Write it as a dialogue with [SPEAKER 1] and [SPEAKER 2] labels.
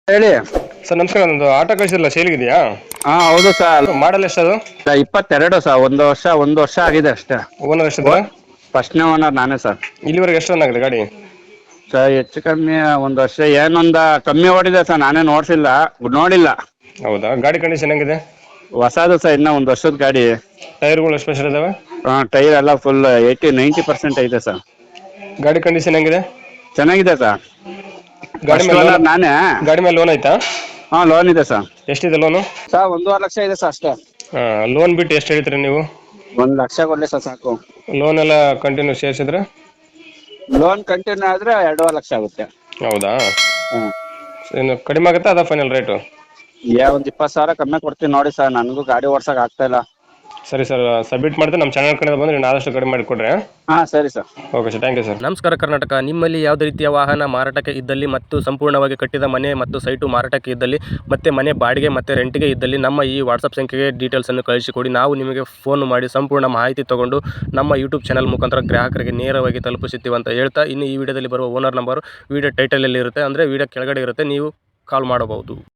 [SPEAKER 1] ಹೇಳಿ.
[SPEAKER 2] ಸರ್ ನಮಸ್ಕಾರ, ಒಂದು ಆಟೋ ಕಳಿಸಿರಲ್ಲ ಸೇಲ್ಗಿದೆಯಾ?
[SPEAKER 1] ಹಾ ಹೌದು ಸರ್.
[SPEAKER 2] ಮಾಡಲ್ ಎಷ್ಟದು?
[SPEAKER 1] 22 ಸರ್. ಒಂದು ವರ್ಷ ಆಗಿದೆ ಅಷ್ಟೇ.
[SPEAKER 2] ಓನರ್ ಎಷ್ಟಿದ್ರ?
[SPEAKER 1] ಫಸ್ಟ್ನೇ ಓನರ್ ನಾನೇ ಸರ್.
[SPEAKER 2] ಇಲ್ಲಿವರೆಗೆ ಎಷ್ಟು ರನ್ ಆಗಿದೆ ಗಾಡಿ?
[SPEAKER 1] ಸರ್ ಹೆಚ್ಚು ಕಮ್ಮಿ ಒಂದು ವರ್ಷ ಏನೊಂದ ಕಮ್ಮಿ ಓಡಿದೆ ಸರ್. ನಾನೇ ನೋಡಿಲ್ಲ.
[SPEAKER 2] ಹೌದಾ, ಗಾಡಿ ಕಂಡೀಷನ್ ಹೆಂಗಿದೆ?
[SPEAKER 1] ಹೊಸದು ಸರ್, ಇನ್ನ ಒಂದು ವರ್ಷದ ಗಾಡಿ.
[SPEAKER 2] ಟೈರ್ಗಳು ಸ್ಪೆಷಲ್ ಇದಾವೆ?
[SPEAKER 1] ಟೈರ್ ಎಲ್ಲ ಫುಲ್ 90% ಐತೆ ಸರ್.
[SPEAKER 2] ಗಾಡಿ ಕಂಡೀಷನ್ ಹೆಂಗಿದೆ?
[SPEAKER 1] ಚೆನ್ನಾಗಿದೆ ಸರ್.
[SPEAKER 2] ಗಾಡಿ
[SPEAKER 1] ಫಸ್ಟ್
[SPEAKER 2] ಮೇಲೆ ಲೋನ್?
[SPEAKER 1] ಓನರ್ ನಾನೇ.
[SPEAKER 2] ಗಾಡಿ ಮೇಲೆ ಲೋನ್ ಆಯ್ತಾ?
[SPEAKER 1] ಹಾ ಲೋನ್ ಇದೆ ಸರ್.
[SPEAKER 2] ಎಷ್ಟಿದೆ ಲೋನು?
[SPEAKER 1] ಸರ್ 1.5 ಲಕ್ಷ ಇದೆ ಸರ್ ಅಷ್ಟೇ.
[SPEAKER 2] ಲೋನ್ ಬಿಟ್ಟು ಎಷ್ಟು ಹೇಳ್ತೀರಿ ನೀವು?
[SPEAKER 1] 1 ಲಕ್ಷ ಕೊಡ್ಲಿ ಸರ್ ಸಾಕು.
[SPEAKER 2] ಲೋನ್ ಎಲ್ಲ ಕಂಟಿನ್ಯೂ ಸೇರಿಸಿದ್ರೆ?
[SPEAKER 1] ಲೋನ್ ಕಂಟಿನ್ಯೂ ಆದ್ರೆ 2.5 ಲಕ್ಷ ಆಗುತ್ತೆ.
[SPEAKER 2] ಹೌದಾ,
[SPEAKER 1] ಹ್ಮ್.
[SPEAKER 2] ಇನ್ನು ಕಡಿಮೆ ಆಗುತ್ತಾ ಅದ ಫೈನಲ್ ರೇಟು?
[SPEAKER 1] ಒಂದು 20,000 ಕಮ್ಮಿ ಕೊಡ್ತೀನಿ ನೋಡಿ ಸರ್. ನನಗೂ ಗಾಡಿ ಓಡ್ಸಕ್ ಆಗ್ತಾ ಇಲ್ಲ.
[SPEAKER 2] ಸರಿ ಸರ್, ಸಬ್ಮಿಟ್ ಮಾಡ್ತೀನಿ. ನಮ್ಮ ಚಾನಲ್ ಕಡೆ ಬಂದರೆ ನೀವು ಆದಷ್ಟು ಕಡಿಮೆ ಮಾಡಿಕೊಡ್ರಿ.
[SPEAKER 1] ಹಾ ಸರಿ sir.
[SPEAKER 2] Okay sir, thank you sir.
[SPEAKER 3] ನಮಸ್ಕಾರ ಕರ್ನಾಟಕ. ನಿಮ್ಮಲ್ಲಿ ಯಾವುದೇ ರೀತಿಯ ವಾಹನ ಮಾರಾಟಕ್ಕೆ ಇದ್ದಲ್ಲಿ ಮತ್ತು ಸಂಪೂರ್ಣವಾಗಿ ಕಟ್ಟಿದ ಮನೆ ಮತ್ತು ಸೈಟು ಮಾರಾಟಕ್ಕೆ ಇದ್ದಲ್ಲಿ ಮತ್ತು ಮನೆ ಬಾಡಿಗೆ ಮತ್ತು ರೆಂಟಿಗೆ ಇದ್ದಲ್ಲಿ ನಮ್ಮ ಈ ವಾಟ್ಸಪ್ ಸಂಖ್ಯೆಗೆ ಡೀಟೇಲ್ಸನ್ನು ಕಳಿಸಿಕೊಡಿ. ನಾವು ನಿಮಗೆ ಫೋನ್ ಮಾಡಿ ಸಂಪೂರ್ಣ ಮಾಹಿತಿ ತಗೊಂಡು ನಮ್ಮ ಯೂಟ್ಯೂಬ್ ಚಾನಲ್ ಮುಖಾಂತರ ಗ್ರಾಹಕರಿಗೆ ನೇರವಾಗಿ ತಲುಪಿಸುತ್ತೀವಿ ಅಂತ ಹೇಳ್ತಾ, ಇನ್ನು ಈ ವಿಡಿಯೋದಲ್ಲಿ ಬರುವ ಓನರ್ ನಂಬರು ವಿಡಿಯೋ ಟೈಟಲಲ್ಲಿ ಇರುತ್ತೆ, ಅಂದರೆ ವಿಡಿಯೋ ಕೆಳಗಡೆ ಇರುತ್ತೆ, ನೀವು ಕಾಲ್ ಮಾಡಬಹುದು.